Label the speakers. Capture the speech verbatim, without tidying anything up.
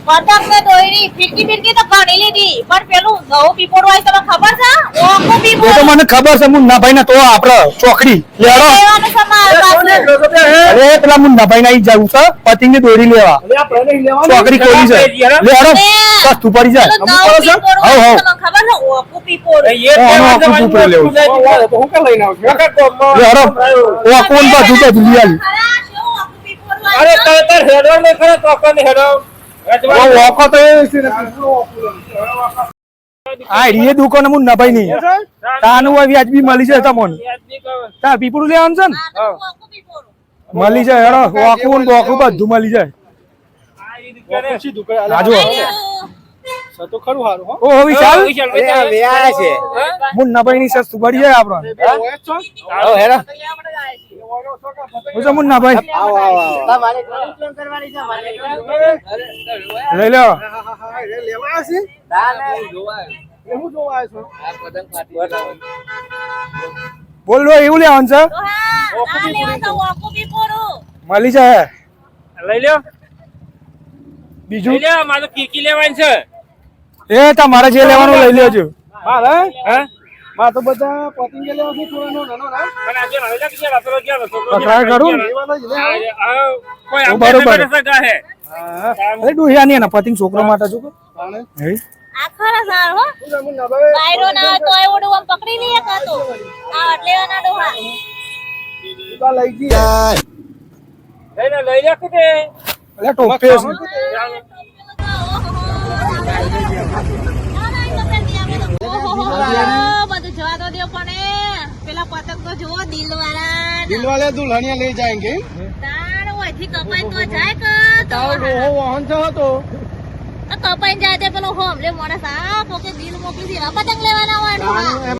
Speaker 1: પતંગ ને દોરી ફીરકી ફીરકી તો ઘણી લીધી પણ પેલું ઘઉં પીપોડ હોય તમને ખબર છે ઓકો
Speaker 2: એ
Speaker 1: પીપોડ
Speaker 2: તો મને ખબર છે મુન્નાભાઈ ને તો આપડે ચોકડી લેડો
Speaker 1: લેવાનું છે મારા પાસે
Speaker 2: અરે પેલા મુન્નાભાઈ ને જવું છે પતિંગ ની દોરી લેવા ચોકડી ખોલી છે લેડો સસ્તું પડી જાય
Speaker 1: પેલું ઘઉં પીપોડ હોય
Speaker 2: હવ, હવ.
Speaker 1: તમને ખબર છે ઓકો પીપોડ
Speaker 2: લેડો ઓ કોણ બધું તો લઈ આવી
Speaker 1: ખરા શું ઓકો પીપોડ હોય
Speaker 3: અરે
Speaker 1: છે?
Speaker 3: તાર હેડો ને ખરા તો ને હેડો
Speaker 2: ઓ વોકો તો એ આ રીએ દુકાન મુન્નાભાઈ ની તાનું હોય વ્યાજબી મળી જાય તમને તા પીપળું લેવાનું છે ને
Speaker 1: આ તો ઓકો પીપોડ
Speaker 2: મળી જાય હેડો વોકું ને બોકું બધું મળી જાય આજુ
Speaker 3: તો ખરું હારું હો
Speaker 2: ઓ વિશાલ
Speaker 3: વેયા છે
Speaker 2: મુન્નાભાઈ ની સસ્તું પડી જાય આપણે
Speaker 3: આવો હેડો
Speaker 2: હું છે મુન્નાભાઈ
Speaker 3: તમારે કોલ કરવાની છે મારે
Speaker 2: લઈ લો
Speaker 3: લેવા છે ના ના જોવા એવું જોવા છો આ પતંગ ફાટી
Speaker 2: બોલ લો એવું લેવાનું છે
Speaker 1: તો હા આ લેવા તો ઓકો પીપોડ
Speaker 2: મળી જાય
Speaker 3: લઈ લ્યો
Speaker 2: બીજું
Speaker 3: લઈ લ્યો મારે કીકી લેવાની છે
Speaker 2: એ તમારે જે લેવાનું લઈ લેજો
Speaker 3: મારે હે માં તો બધા પતંગ લેવા છે થોડો નાનો ના પણ આજે હવે લગ ગયા તો ગયા તો
Speaker 2: પકડાય કરું ને?
Speaker 3: કોઈ
Speaker 2: ઓ,
Speaker 3: આમ
Speaker 2: બરોબર.
Speaker 3: સગા હે
Speaker 2: અરે ડોહિયા ની એના પતિંગ છોકરો માટે છું કે? હે?
Speaker 1: આ ખરા સાર હો વાયરો ના હોય તો એવડું આમ પકડી લઈએ કાતો આ એટલે ના ડોહા
Speaker 3: લઈ ગયા લઈ લે લઈ લે કે
Speaker 2: અલે ટોપે છે
Speaker 1: બધું જવા દો દો પણ પેલા પતંગ તો જુઓ દિલ વાળા
Speaker 3: दिल वाले दुल्हनिया ले जाएंगे
Speaker 1: તાર ઓયથી કપાઈ તો જાય કે તો
Speaker 3: वो वाहन से हो तो
Speaker 1: કપાઈ જાય તે પેલો હોમ લે મોણસ આ પોકે દિલ મોકલી દેવા પતંગ લેવાના હોય ડોહા